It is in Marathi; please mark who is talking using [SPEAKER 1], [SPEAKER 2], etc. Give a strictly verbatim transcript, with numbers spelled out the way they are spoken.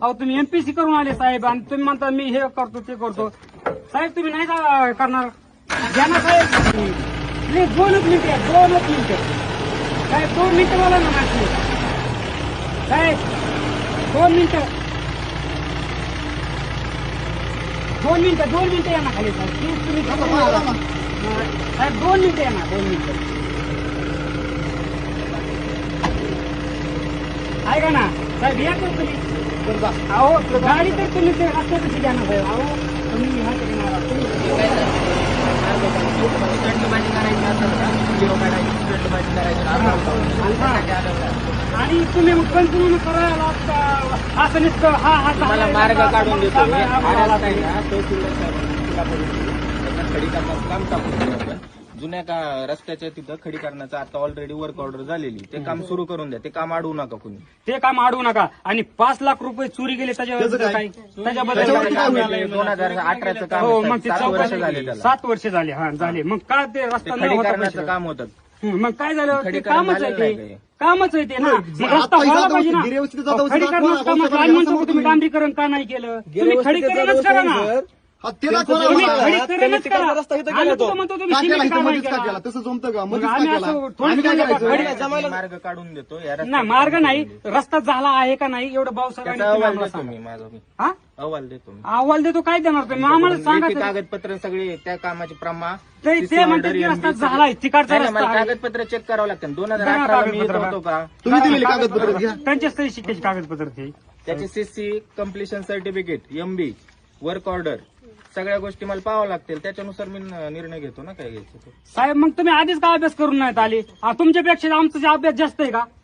[SPEAKER 1] अहो तुम्ही एमपीसी करून आले साहेब आणि तुम्ही म्हणता मी हे करतो ते करतो साहेब तुम्ही नाही का करणार घ्या ना साहेब प्लीज दोनच मिनिट आहे दोनच मिनिट साहेब दोन मिनिटं बोला ना माझी साहेब दोन मिनिटं दोन मिनिटं दोन मिनिटं या ना खाली साहेब प्लीज तुम्ही साहेब दोन मिनिटं या ना दोन मिनिटं ऐका ना साहेब या तर तुम्ही अहो गाडी तर तुम्ही ते रस्त्या कशी घ्या ना साहेब अहो तुम्ही ह्या आणि तुम्ही मग कंटिन्यू करायला असं नसतं हा हा
[SPEAKER 2] मार्ग काढून देतो खडी करण्याचं काम टाकून जुन्या का रस्त्याच्या तिथं खडी करण्याचं आता ऑलरेडी वर्क ऑर्डर झालेली ते काम सुरू करून द्या ते काम अडवू नका कुणी
[SPEAKER 1] ते काम अडवू नका आणि पाच लाख रुपये चोरी गेले त्याच्याबद्दल काय त्याच्याबद्दल
[SPEAKER 2] दोन हजार अठराचं काम
[SPEAKER 1] हो
[SPEAKER 2] आहे,
[SPEAKER 1] मग ते
[SPEAKER 2] सात वर्ष
[SPEAKER 1] चौकशी
[SPEAKER 2] झाले त्याला
[SPEAKER 1] सात वर्ष झाले हा झाले मग का ते रस्ता न
[SPEAKER 2] खडी
[SPEAKER 1] होता
[SPEAKER 2] करण्याचं
[SPEAKER 1] पैसे?
[SPEAKER 2] काम होतं
[SPEAKER 1] हं, मग काय झालं ते
[SPEAKER 2] खडीकरण
[SPEAKER 1] कामच आहे
[SPEAKER 2] झालेलं
[SPEAKER 1] ते
[SPEAKER 2] आहे.
[SPEAKER 1] कामच आहे ते ना मग
[SPEAKER 3] आता
[SPEAKER 1] रस्ता व्हायला
[SPEAKER 3] जाता
[SPEAKER 1] पाहिजे ना
[SPEAKER 3] होती, गिरेवस्ती जाता होती,
[SPEAKER 1] खडीकरण
[SPEAKER 3] दाखवा,
[SPEAKER 1] काम
[SPEAKER 3] दाखवा,
[SPEAKER 1] आणि म्हणतो
[SPEAKER 3] दाखवा,
[SPEAKER 1] तुम्ही डांबरीकरण का नाही केलं तुम्ही खडीकरणच करा ना
[SPEAKER 3] हा, ते दाखवा ना
[SPEAKER 1] तुम्ही
[SPEAKER 3] मला.
[SPEAKER 1] खडीकरणच करा आम्ही तुला म्हणतो तुम्ही
[SPEAKER 3] का केला
[SPEAKER 1] सिमेंट
[SPEAKER 3] इथं
[SPEAKER 1] का नाही
[SPEAKER 3] मध्येच का
[SPEAKER 1] केला
[SPEAKER 3] केला तसं जमतं का
[SPEAKER 1] मग
[SPEAKER 3] मध्येच का
[SPEAKER 1] आम्ही
[SPEAKER 3] केला
[SPEAKER 1] असं थोडं
[SPEAKER 3] आम्ही काय
[SPEAKER 1] केलं
[SPEAKER 3] करायचं
[SPEAKER 1] का?
[SPEAKER 2] मी मार्ग काढून देतो या
[SPEAKER 1] नाही
[SPEAKER 2] रस्त्यात
[SPEAKER 1] मार्ग नाही रस्ता झाला आहे का नाही एवढं
[SPEAKER 2] त्याचा
[SPEAKER 1] भाऊसाहेबांनी
[SPEAKER 2] अहवाल
[SPEAKER 1] तुम्ही आम्हाला
[SPEAKER 2] देतो
[SPEAKER 1] सांगा.
[SPEAKER 2] मी माझा मी
[SPEAKER 1] हा
[SPEAKER 2] अहवाल देतो मी
[SPEAKER 1] अहवाल देतो काय देणार तुम्ही आम्हाला सांगा
[SPEAKER 2] लेखी
[SPEAKER 1] तरी.
[SPEAKER 2] कागदपत्र सगळे त्या कामाची प्रमा
[SPEAKER 1] ते ते म्हणतात की रस्ता झालाय तिकडचा रस्ता
[SPEAKER 2] मला
[SPEAKER 1] आहे.
[SPEAKER 2] कागदपत्र चेक करावं लागतं दोन हजार
[SPEAKER 1] बघा
[SPEAKER 2] अठरा मी येत
[SPEAKER 1] कागदपत्र.
[SPEAKER 2] होतो का
[SPEAKER 3] तुम्ही दिलेली कागदपत्र घ्या
[SPEAKER 1] त्यांच्याच तरी शिकायची कागदपत्र ते
[SPEAKER 2] त्याचे CC completion certificate MB work order सगळ्या गोष्टी मला पाहावं लागतील त्याच्यानुसार मी निर्णय घेतो ना काय घ्यायचं ते.
[SPEAKER 1] साहेब मग तुम्ही आधीच का अभ्यास करून नाहीत आले आ, तुमच्यापेक्षा आमचा जे अभ्यास जास्त आहे का